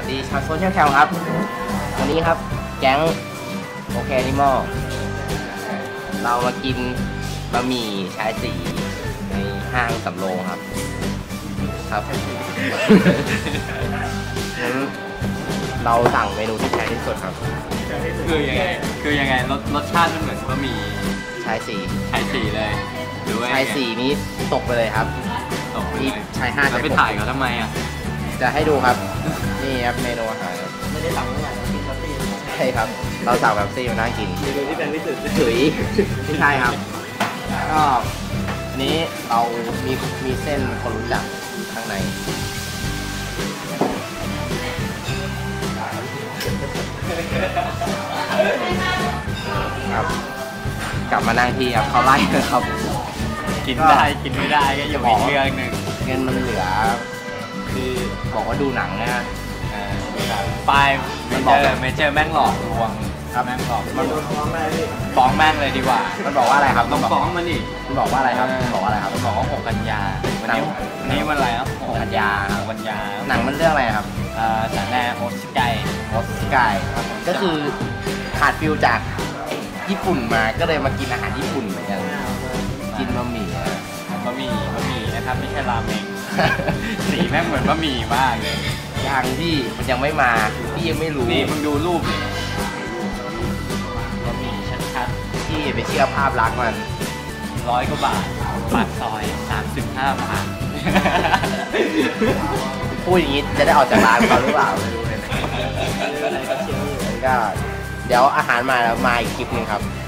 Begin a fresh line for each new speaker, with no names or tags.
วัสดีชาวโซเชียลแคมครับวันนี้ครับแก๊งโอเคนิมอลเรามากินบะหมี่ชายสีในห้างสำโรงครับงั้นเราสั่งเมนูที่แพงที่สุดครับ
คือยังไงรสชาติมันเหมือนบะหมี่
ชายสี
เลยหรือว่า
ชายสีนี้ตกไปเลยครับ
ตกไปเลย
ชาย5
แล้วไปถ่ายเขาทำไมอ่ะ
จะให้ดูครับนี่ครับเมนูอาหารไม่ได้สั่งเนี่ยกินแบบซี่ใช่ครับเราสั่งแบบซี่มานั่งกินเมนูที่แพงที่สุดถุยไม่ใช่ครับก็อันนี้เรามีเส้นคนรู้จักข้างในครับกลับมานั่งที่ครับเขาไล่เลยครับ
กินได้กินไม่ได้ก็อยู่อีกเรื่องหนึ่ง
เงินมันเหลือคือบอกว่าดูหนังนะ
ป้ายเมเจอร์แม่งหลอกลวงแม่งหลอกมันฟ้องแม่งเลยดีกว่า
มันบอกว่าอะไรครับ
ต้องฟ้องมันดิ
มันบอกว่าอะไรครับมันบอกว่าอะไรครับ
มันบอกว่า6 กันยาวันนี้วันอะไรครับ
6 กันยาหนังมันเรื่องอะไรครับ
สารแหน่โฮสไก
ก็คือขาดฟิลจากญี่ปุ่นมาก็เลยมากินอาหารญี่ปุ่นเหมือนกันกินบะหมี่
นะครับไม่ใช่ราเมงสีแม่งเหมือนบะหมี่มากเลย
ยังพี่มันยังไม่มาพี่ยังไม่รู้
นี่มึงดูรูปบะหมี่ชัด
ๆพี่ไปเชื่อภาพลักษณ์มัน
100 กว่าบาทปากซอย35 บาท
พูดอย่างนี้จะได้ออกจากร้านเขาหรือเปล่าไม่รู้เลยก็เดี๋ยวอาหารมาแล้วมาอีกคลิปนึงครับ